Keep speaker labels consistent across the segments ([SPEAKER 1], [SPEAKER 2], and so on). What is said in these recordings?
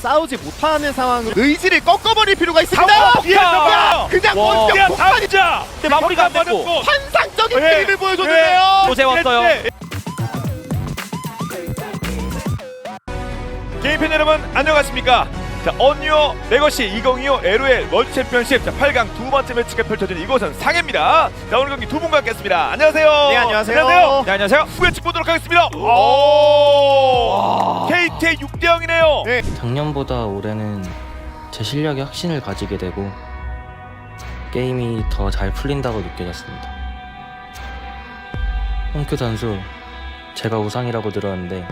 [SPEAKER 1] 싸우지 못하는 상황으로 의지를 꺾어버릴 필요가 있습니다. 그냥 원격 폭발이자.
[SPEAKER 2] 근데 마무리가 안 됐고
[SPEAKER 1] 환상적인 게임을 보여줬는데요.
[SPEAKER 2] 또 재웠어요.
[SPEAKER 3] 게임팬 여러분 안녕하십니까? 자, 언유어 레거시 2025 LOL 월드 챔피언십 8강 두 번째 매치가 펼쳐진 이곳은 상해입니다. 자, 오늘 경기 두 분과 함께했습니다. 안녕하세요.
[SPEAKER 1] 네, 안녕하세요.
[SPEAKER 3] 안녕하세요.
[SPEAKER 2] 네, 안녕하세요.
[SPEAKER 3] 후회측 보도록 하겠습니다. 오! KT의 6대 0이네요.
[SPEAKER 1] 네.
[SPEAKER 4] 작년보다 올해는 제 실력에 확신을 가지게 되고 게임이 더 잘 풀린다고 느껴졌습니다. 홍큐 선수, 제가 우상이라고 들었는데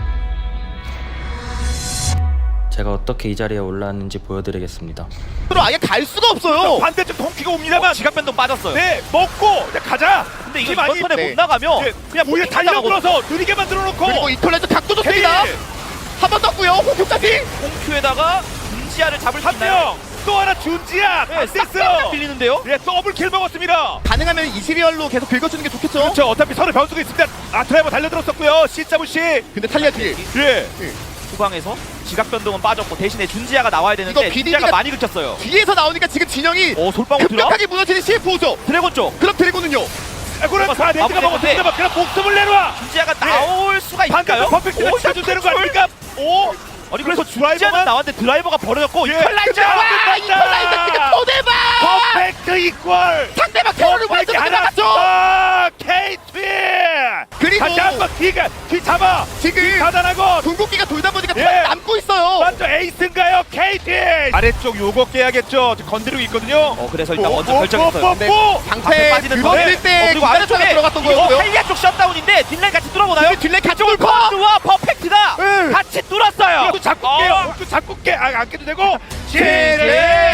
[SPEAKER 4] 제가 어떻게 이 자리에 올라왔는지 보여드리겠습니다.
[SPEAKER 1] 아예 갈 수가 없어요.
[SPEAKER 3] 반대쪽 동키가 옵니다만
[SPEAKER 2] 지각 변동 빠졌어요.
[SPEAKER 3] 네, 먹고 자, 가자.
[SPEAKER 2] 근데 이거
[SPEAKER 3] 힘 많이-
[SPEAKER 2] 이번 턴에
[SPEAKER 1] 네.
[SPEAKER 2] 못 나가면
[SPEAKER 3] 네,
[SPEAKER 2] 그냥
[SPEAKER 3] 오히려
[SPEAKER 2] 못
[SPEAKER 3] 달려들어서 느리게 만들어 놓고
[SPEAKER 1] 그리고 이퀄라이저 각도 좋습니다.
[SPEAKER 3] K
[SPEAKER 1] 한 번 떴고요. 호흡까지.
[SPEAKER 2] 공큐에다가 준지아를 잡을 수
[SPEAKER 3] 한
[SPEAKER 2] 있나요?
[SPEAKER 3] 명. 또 하나 준지야.
[SPEAKER 2] 네, 싹 빌리는데요.
[SPEAKER 3] 예, 더블 킬 먹었습니다.
[SPEAKER 1] 가능하면 이시리얼로 계속 긁어주는 게 좋겠죠.
[SPEAKER 3] 그렇죠. 어차피 서로 변수가 있습니다. 아, 드라이버 달려들었었고요. C.C.
[SPEAKER 1] 근데 탈리아 딜.
[SPEAKER 3] 예.
[SPEAKER 2] 후방에서 지각 변동은 빠졌고 대신에 준지아가 나와야 되는데
[SPEAKER 1] 이거
[SPEAKER 2] 준지아가
[SPEAKER 1] BDD 가
[SPEAKER 2] 많이 긁혔어요.
[SPEAKER 1] 뒤에서 나오니까 지금 진영이
[SPEAKER 2] 솔방울 들어?
[SPEAKER 1] 급격하게 무너지는 CF5죠.
[SPEAKER 2] 드래곤 쪽
[SPEAKER 1] 그럼 드래곤은요.
[SPEAKER 3] 그럼 다 네트가
[SPEAKER 2] 마무리가
[SPEAKER 3] 먹었습니다. 그냥 목숨을 내놔.
[SPEAKER 2] 준지아가 나올 수가 있을까요?
[SPEAKER 3] 반대쪽 퍼펙트가 치켜준다는 거 아닙니까? 오!
[SPEAKER 2] 아니 그래서
[SPEAKER 3] 드라이버만-
[SPEAKER 2] 준지아는 나왔는데 드라이버가 버려졌고
[SPEAKER 3] 예.
[SPEAKER 2] 이퀄라이저!
[SPEAKER 1] 와, 이퀄라이저 지금 토대박.
[SPEAKER 3] 퍼펙트 이퀄.
[SPEAKER 1] 상대방 테러를 완전 나갔죠.
[SPEAKER 3] 아, KT.
[SPEAKER 1] 그리고
[SPEAKER 3] 다시 한번 뒤 잡아.
[SPEAKER 1] 지금
[SPEAKER 3] 가단하고
[SPEAKER 1] 궁극기가 돌다 보니까
[SPEAKER 3] 예.
[SPEAKER 1] 다 남고 있어요.
[SPEAKER 3] 먼저 에이스인가요, KT? 아래쪽 요거 깨야겠죠. 건드리고 있거든요.
[SPEAKER 2] 그래서 일단
[SPEAKER 3] 오,
[SPEAKER 2] 먼저
[SPEAKER 3] 오,
[SPEAKER 2] 결정했어요.
[SPEAKER 3] 오,
[SPEAKER 2] 근데
[SPEAKER 3] 오, 오.
[SPEAKER 1] 방패
[SPEAKER 2] 빠지는
[SPEAKER 1] 들었을 때
[SPEAKER 2] 그리고 아래쪽에
[SPEAKER 1] 들어갔던
[SPEAKER 2] 이거
[SPEAKER 1] 거였고요.
[SPEAKER 2] 탈리아 쪽 셧다운인데 딜라인 같이 뚫어보나요?
[SPEAKER 1] 근데 딜레이 가쪽을 퍼.
[SPEAKER 2] 와 퍼펙트가
[SPEAKER 1] 응.
[SPEAKER 2] 같이 뚫었어요.
[SPEAKER 3] 또 잡고 깨요. 또 잡고 깨. 안 깨도 되고.
[SPEAKER 1] 제레.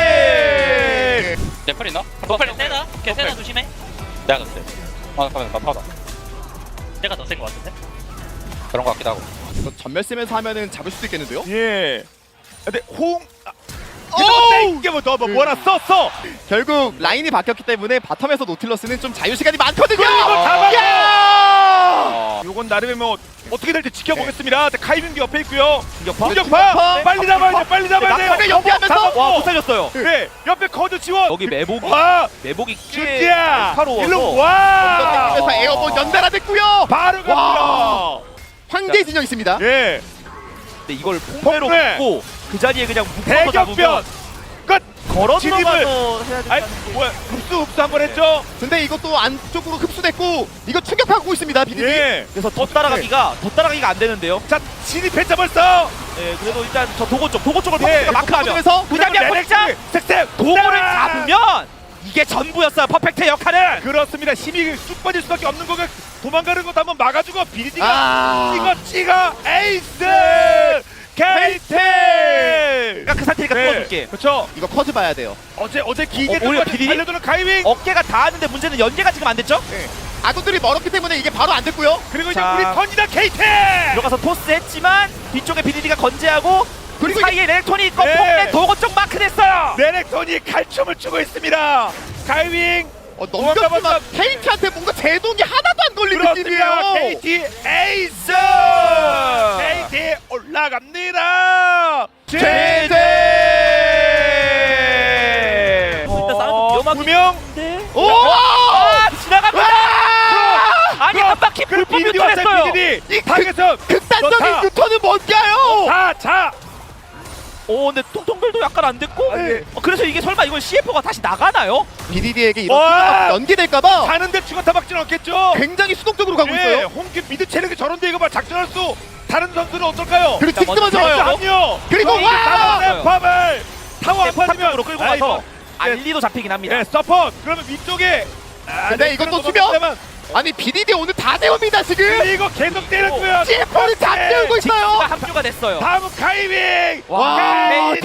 [SPEAKER 5] 넷플 있나? 노플 세다? 걔 세다 조심해. 내가 더 세. 잠깐만 나 타다. 내가 더 센 거 같은데? 그런 거 같기도 하고.
[SPEAKER 1] 이거 전멸 쓰면서 하면은 잡을 수도 있겠는데요.
[SPEAKER 3] 예. 근데 호응.
[SPEAKER 1] 오우!
[SPEAKER 3] 이게 뭐 뭐라 썼어.
[SPEAKER 1] 결국 라인이 바뀌었기 때문에 바텀에서 노틸러스는 좀 자유 시간이 많거든요.
[SPEAKER 3] 그리고 잡아요!
[SPEAKER 1] 야!
[SPEAKER 3] 요건 나름의 뭐 어떻게 될지 지켜보겠습니다. 카이빙도 옆에 있고요.
[SPEAKER 2] 공격파?
[SPEAKER 3] 공격파. 빨리 잡아야 돼. 빨리 잡아야 돼요.
[SPEAKER 1] 낙하를 연기하면서
[SPEAKER 2] 와 못 살렸어요.
[SPEAKER 3] 네. 옆에 커드 지원.
[SPEAKER 2] 여기 매복이
[SPEAKER 3] 와.
[SPEAKER 2] 꽤
[SPEAKER 3] 준지야.
[SPEAKER 2] 날카로워서
[SPEAKER 3] 일로 와.
[SPEAKER 1] 그래서 에어본 연달아됐고요.
[SPEAKER 3] 바로 갑니다.
[SPEAKER 1] 와. 황제 진영 있습니다.
[SPEAKER 3] 예.
[SPEAKER 2] 근데 이걸 폭매로
[SPEAKER 3] 폭매.
[SPEAKER 2] 붙고 그 자리에 그냥 묶어서
[SPEAKER 3] 대격변.
[SPEAKER 2] 잡으면
[SPEAKER 3] 끝.
[SPEAKER 2] 걸어
[SPEAKER 3] 진입을.
[SPEAKER 2] 들어가서 해야
[SPEAKER 3] 아이
[SPEAKER 2] 된다는
[SPEAKER 3] 뭐야? 흡수 한번 했죠.
[SPEAKER 1] 근데 이것도 안쪽으로 흡수됐고 이거 충격하고 있습니다. 비디디.
[SPEAKER 3] 예.
[SPEAKER 2] 그래서 더 따라가기가 안 되는데요.
[SPEAKER 3] 자 진입했자 벌써.
[SPEAKER 2] 네, 그래도 일단 저 도고 쪽을
[SPEAKER 3] 예,
[SPEAKER 2] 퍼펙트가 마크하면
[SPEAKER 1] 그래서
[SPEAKER 2] 무장량 포착
[SPEAKER 3] 색색
[SPEAKER 2] 도고를 잡으면 이게 전부였어요. 퍼펙트의 역할은.
[SPEAKER 3] 그렇습니다. 힘이 쑥 빠질 수밖에 없는 거가 도망가는 것도 한번 막아주고 비디디가
[SPEAKER 1] 아.
[SPEAKER 3] 찍어 에이스 KT.
[SPEAKER 2] 그러니까 그 상태니까 뚫어줄게.
[SPEAKER 3] 그렇죠.
[SPEAKER 1] 이거 커즈 봐야 돼요.
[SPEAKER 3] 어제 기계
[SPEAKER 2] 오히려 비디디?
[SPEAKER 3] 달려드는 가이밍.
[SPEAKER 2] 어깨가 닿았는데 문제는 연계가 지금 안 됐죠?
[SPEAKER 1] 아군들이 멀었기 때문에 이게 바로 안 됐고요.
[SPEAKER 3] 그리고 이제
[SPEAKER 2] 자.
[SPEAKER 3] 우리 턴이다 KT.
[SPEAKER 2] 들어가서 토스 했지만 뒤쪽에 비디디가 건재하고 그
[SPEAKER 1] 그리고
[SPEAKER 2] 사이에 렐톤이 있고
[SPEAKER 3] 네.
[SPEAKER 2] 폭내 도고 쪽 마크됐어요.
[SPEAKER 3] 네넥톤이 칼춤을 추고 있습니다. 가이밍.
[SPEAKER 1] 넘겼지만 KT한테 뭔가 제동이 하나도 안 걸린
[SPEAKER 3] 그렇습니다.
[SPEAKER 1] 느낌이에요.
[SPEAKER 3] KT 에이스. KT 올라갑니다.
[SPEAKER 1] 제제.
[SPEAKER 2] 일단 싸움도 위험하긴
[SPEAKER 3] 분명.
[SPEAKER 2] 한데.
[SPEAKER 1] 오!
[SPEAKER 2] 지나갑니다. 아니 한 바퀴 불법 유턴했어요.
[SPEAKER 3] 이 방에서
[SPEAKER 1] 극단적인 유턴은 뭔가요?
[SPEAKER 3] 자.
[SPEAKER 2] 근데 통통별도 약간 안 됐고.
[SPEAKER 3] 네.
[SPEAKER 2] 그래서 이게 설마 이건 CF가 다시 나가나요?
[SPEAKER 1] BDD에게 이런
[SPEAKER 3] 와!
[SPEAKER 1] 수가 연기될까봐
[SPEAKER 3] 가는데 죽었다 박지는 없겠죠.
[SPEAKER 1] 굉장히 수동적으로 가고 있어요.
[SPEAKER 3] 홍규 미드 체력이 저런데 이거 봐 작전할 수. 다른 선수는 어떨까요?
[SPEAKER 1] 그리고 직스 먼저
[SPEAKER 2] 먼저
[SPEAKER 1] 와요.
[SPEAKER 3] 합류.
[SPEAKER 1] 그리고 와!
[SPEAKER 3] 팝을 타워 안
[SPEAKER 2] 포탑으로
[SPEAKER 3] 빠지면
[SPEAKER 2] 끌고 가서 알리도 잡히긴 합니다.
[SPEAKER 3] 네, 서포트. 그러면 위쪽에.
[SPEAKER 1] 근데 이것도 수면? 아니 BDD 오늘 다 세웁니다 지금.
[SPEAKER 3] 이거 계속 때렸고요.
[SPEAKER 1] CF를 다 때우고
[SPEAKER 2] 직스가
[SPEAKER 1] 있어요.
[SPEAKER 2] 합류가 됐어요.
[SPEAKER 3] 다음은 카이밍.
[SPEAKER 1] 와,
[SPEAKER 3] KT.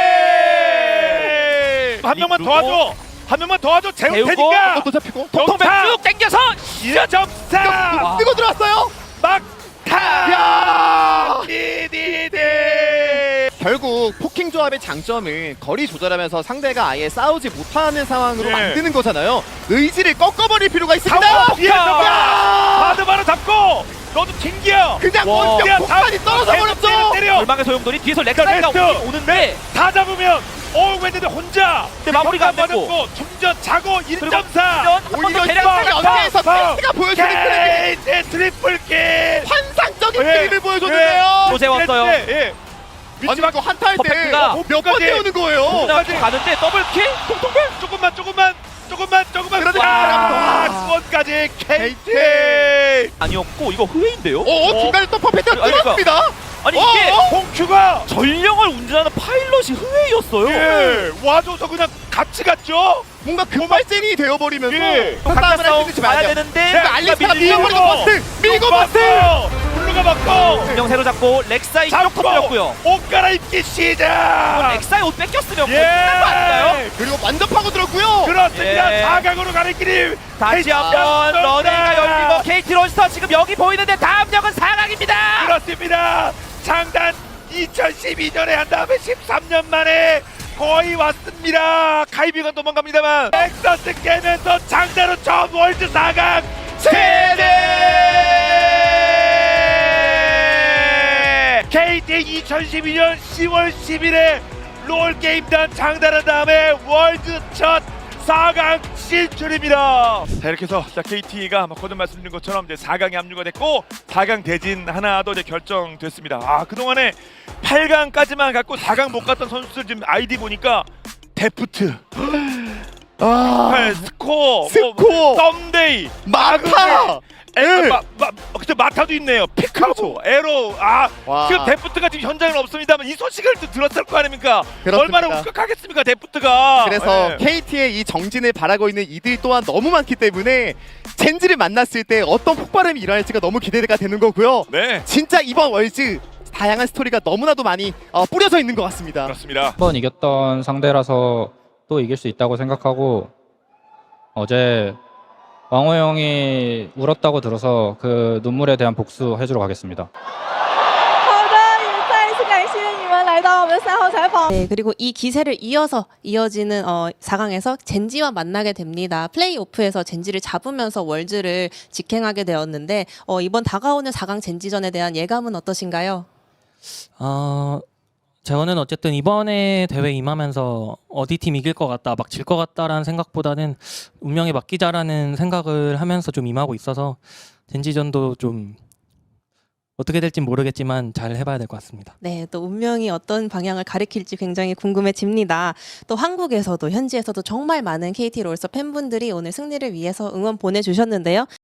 [SPEAKER 3] 한 명만
[SPEAKER 2] 그리고
[SPEAKER 3] 도와줘. 한 명만 도와줘. 재울
[SPEAKER 2] 재우고
[SPEAKER 3] 테니까.
[SPEAKER 1] 또 잡히고
[SPEAKER 2] 통통별
[SPEAKER 3] 점사!
[SPEAKER 2] 쭉 당겨서
[SPEAKER 3] 점사.
[SPEAKER 1] 뜨고 들어왔어요.
[SPEAKER 3] 막타.
[SPEAKER 1] 야!
[SPEAKER 3] BDD.
[SPEAKER 1] 결국 포킹 조합의 장점은 거리 조절하면서 상대가 아예 싸우지 못하는 상황으로
[SPEAKER 3] 네.
[SPEAKER 1] 만드는 거잖아요. 의지를 꺾어버릴 필요가 있습니다.
[SPEAKER 3] 타워 뒤에서
[SPEAKER 1] 야!
[SPEAKER 3] 바드 바로 잡고 너도 튕겨.
[SPEAKER 1] 그냥
[SPEAKER 2] 와.
[SPEAKER 1] 원격 폭탄이 떨어져 버렸죠.
[SPEAKER 3] 때려.
[SPEAKER 2] 절망의 소용돌이 뒤에서 렉사이가
[SPEAKER 3] 레스트.
[SPEAKER 2] 오는데
[SPEAKER 3] 다 잡으면 웬데 혼자.
[SPEAKER 2] 근데 마무리가 안 됐고.
[SPEAKER 3] 충전 자고 1.4.
[SPEAKER 2] 한번더
[SPEAKER 1] 오히려
[SPEAKER 2] 대략
[SPEAKER 1] 이번 연계에서 페이스가 보여주는 플레이
[SPEAKER 3] KT 트리플 킬.
[SPEAKER 1] 환상적인
[SPEAKER 3] 예.
[SPEAKER 1] 그림을 보여줬는데요.
[SPEAKER 2] 조세 왔어요.
[SPEAKER 3] 예.
[SPEAKER 1] 아니 이거 한타 할때
[SPEAKER 2] 퍼펙트가
[SPEAKER 1] 몇 번 태우는 거예요.
[SPEAKER 2] 가는데 더블킬?
[SPEAKER 3] 조금만.
[SPEAKER 1] 그러니까.
[SPEAKER 3] 와, 수원까지 KT.
[SPEAKER 2] 아니었고 이거 흐웨인데요?
[SPEAKER 1] 중간에 또 퍼펙트가
[SPEAKER 2] 아니, 그러니까.
[SPEAKER 1] 뚫었습니다.
[SPEAKER 2] 아니 이게
[SPEAKER 3] 홍큐가
[SPEAKER 2] 전령을 운전하는 파일럿이 흐웨이였어요.
[SPEAKER 3] 예, 와줘서 그냥 같이 갔죠.
[SPEAKER 1] 뭔가 금발젠이 되어버리면서
[SPEAKER 3] 예.
[SPEAKER 1] 또
[SPEAKER 2] 각자
[SPEAKER 1] 싸움을
[SPEAKER 2] 싸움
[SPEAKER 1] 할수 있는지
[SPEAKER 2] 봐야
[SPEAKER 1] 말아야
[SPEAKER 2] 되는데
[SPEAKER 1] 그러니까 알리스타가
[SPEAKER 3] 밀고
[SPEAKER 1] 밀어버리고 버스! 밀고 버스!
[SPEAKER 3] 블루가 맞고
[SPEAKER 2] 전령 새로 잡고 렉사이 쪽
[SPEAKER 3] 잡고
[SPEAKER 2] 터뜨렸고요.
[SPEAKER 3] 옷 갈아입기 시작.
[SPEAKER 2] 렉사이 옷 뺏겼으면 끝난 거 아닌가요?
[SPEAKER 1] 그리고 완전 파고들었고요.
[SPEAKER 3] 그렇습니다.
[SPEAKER 2] 예.
[SPEAKER 3] 4강으로 가는 길
[SPEAKER 2] 다시 한번 러닝가 열리고 KT 론스터 지금 여기 보이는데 다음 역은 4강입니다.
[SPEAKER 3] 그렇습니다. 장단 2012년에 한 다음에 13년 만에 거의 왔습니다. 카이비가 도망갑니다만 넥서스 깨면서 장단으로 처음 월드 4강 세대 KT 2012년 10월 10일에 롤게임단 장단한 다음에 월드 첫 4강 진출입니다. 자 이렇게 해서 KT가 거듭 말씀드린 것처럼 이제 4강에 합류가 됐고 4강 대진 하나도 이제 결정됐습니다. 아 그동안에 8강까지만 갔고 4강 못 갔던 선수들 지금 아이디 보니까 데프트, 스코어, 썸데이,
[SPEAKER 1] 마타!
[SPEAKER 3] 그때 마타도 있네요. 피카소, 에로.
[SPEAKER 1] 와.
[SPEAKER 3] 지금 데프트가 지금 현장에 없습니다만 이 소식을 또 들었을 거 아닙니까?
[SPEAKER 1] 그렇습니다.
[SPEAKER 3] 얼마나 울컥하겠습니까 데프트가.
[SPEAKER 1] 그래서
[SPEAKER 3] 예.
[SPEAKER 1] KT의 이 정진을 바라고 있는 이들 또한 너무 많기 때문에 젠지를 만났을 때 어떤 폭발음이 일어날지가 너무 기대가 되는 거고요.
[SPEAKER 3] 네
[SPEAKER 1] 진짜 이번 월즈 다양한 스토리가 너무나도 많이 뿌려져 있는 것 같습니다.
[SPEAKER 3] 그렇습니다.
[SPEAKER 6] 한 번 이겼던 상대라서 또 이길 수 있다고 생각하고 어제 왕호 형이 울었다고 들어서 그 눈물에 대한 복수 해주러 가겠습니다.
[SPEAKER 7] 好的，也再一次感谢你们来到我们的3号采访。 네, 그리고 이 기세를 이어지는 4강에서 젠지와 만나게 됩니다. 플레이오프에서 젠지를 잡으면서 월즈를 직행하게 되었는데 이번 다가오는 4강 젠지전에 대한 예감은 어떠신가요?
[SPEAKER 4] 저는 어쨌든 이번에 대회 임하면서 어디 팀 이길 것 같다, 막 질 것 같다라는 생각보다는 운명에 맡기자라는 생각을 하면서 좀 임하고 있어서 젠지전도 좀 어떻게 될진 모르겠지만 잘 해봐야 될 것 같습니다.
[SPEAKER 7] 네, 또 운명이 어떤 방향을 가리킬지 굉장히 궁금해집니다. 또 한국에서도 현지에서도 정말 많은 KT 롤스터 팬분들이 오늘 승리를 위해서 응원 보내주셨는데요.